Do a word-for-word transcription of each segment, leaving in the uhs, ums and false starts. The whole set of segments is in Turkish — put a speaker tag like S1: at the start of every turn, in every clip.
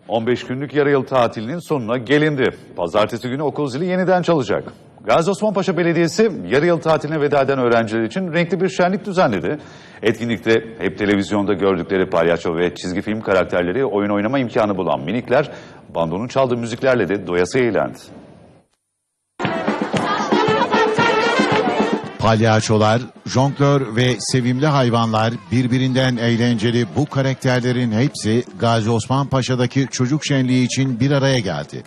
S1: on beş günlük yarı yıl tatilinin sonuna gelindi. Pazartesi günü okul zili yeniden çalacak. Gazi Osman Paşa Belediyesi yarı yıl tatiline veda eden öğrenciler için renkli bir şenlik düzenledi. Etkinlikte hep televizyonda gördükleri palyaço ve çizgi film karakterleri oyun oynama imkanı bulan minikler bandonun çaldığı müziklerle de doyasıya eğlendi.
S2: Palyaçolar, jonglör ve sevimli hayvanlar birbirinden eğlenceli bu karakterlerin hepsi Gazi Osman Paşa'daki çocuk şenliği için bir araya geldi.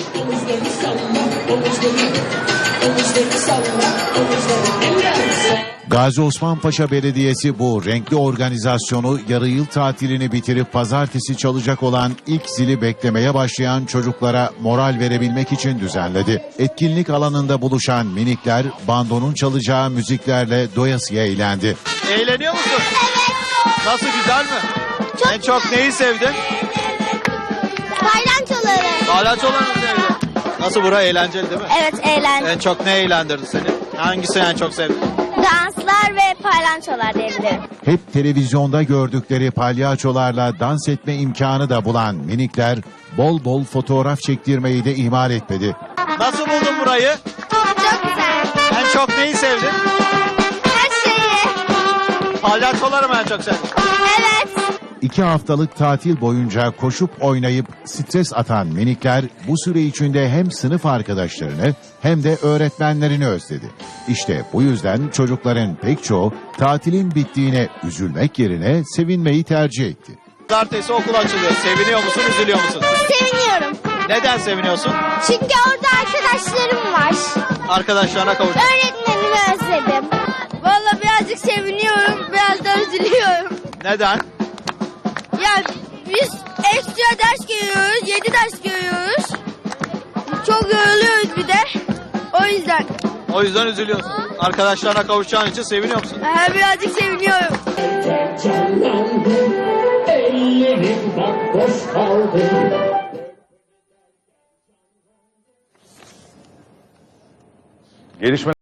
S2: Gazi Osman Paşa Belediyesi bu renkli organizasyonu yarı yıl tatilini bitirip pazartesi çalacak olan ilk zili beklemeye başlayan çocuklara moral verebilmek için düzenledi. Etkinlik alanında buluşan minikler bandonun çalacağı müziklerle doyasıya eğlendi.
S3: Eğleniyor musun?
S4: Evet.
S3: Nasıl, güzel mi?
S4: Çok
S3: en çok neyi sevdin?
S4: Palyaçoları.
S3: Palyaçoları mı sevdin? Nasıl, bura eğlenceli değil mi?
S4: Evet, eğlenceli.
S3: En çok ne eğlendirdi seni? Hangisini en çok sevdin?
S4: Danslar ve palyaçolar diyebilirim.
S2: Hep televizyonda gördükleri palyaçolarla dans etme imkanı da bulan minikler bol bol fotoğraf çektirmeyi de ihmal etmedi.
S3: Nasıl buldun burayı?
S4: Çok güzel.
S3: En çok neyi sevdin?
S4: Her şeyi.
S3: Palyaçoları mı en çok sevdin?
S4: Evet.
S2: İki haftalık tatil boyunca koşup oynayıp stres atan minikler bu süre içinde hem sınıf arkadaşlarını hem de öğretmenlerini özledi. İşte bu yüzden çocukların pek çoğu tatilin bittiğine üzülmek yerine sevinmeyi tercih etti.
S3: Pazartesi okul açılıyor. Seviniyor musun, üzülüyor musun?
S4: Seviniyorum.
S3: Neden seviniyorsun?
S4: Çünkü orada arkadaşlarım var.
S3: Arkadaşlarına kavuş.
S4: Öğretmenimi özledim. Vallahi birazcık seviniyorum, biraz da üzülüyorum.
S3: Neden?
S4: Ya biz ekstra ders görüyoruz, yedi ders görüyoruz. Çok yoruluyoruz bir de. O yüzden.
S3: O yüzden üzülüyorsun. Arkadaşlarına kavuşacağın için seviniyor musun?
S4: Ha, birazcık seviniyorum.
S5: Ellerim bak boş kaldı.
S1: Gelişme